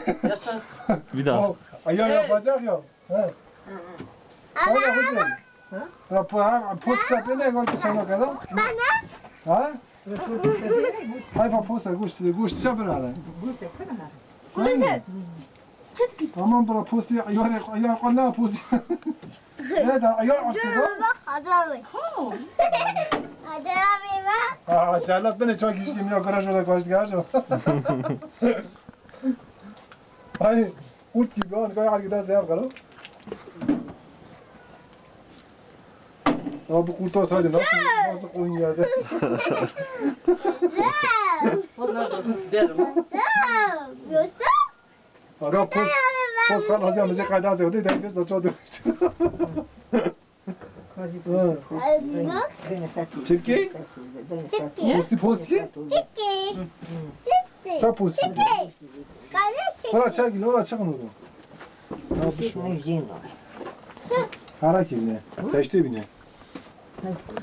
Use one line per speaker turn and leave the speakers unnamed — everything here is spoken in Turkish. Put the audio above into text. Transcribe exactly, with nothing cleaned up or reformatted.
Yaşa.
Bir daha.
O ayağı
Evet.
yapacak ya. He. Sen yapacaksın. Ha? Ha, posta bene koydu sana kadar. Ha? Hayfa posta gusti, gusti sabrala.
Burası.
Aman bura posti ayar ayar qanna posti. Ne da ayar attı bu? Ha, cellat beni çok işim yok garaj orada koştu garaj. Hani kurt gibi onu koyar gider seyahat kalır. Ama bu kurt olsaydı nasıl nasıl koyun yerde?
Onlar da derim ha.
Adam post post kan hazır müzik kaydı hazır değil de biz de çok dövüştük. Çirkin? Posti posti? Çok posti. Ora çek gel ora çıkın oradan. Ne yapmış? Harak evine. Teşte evine.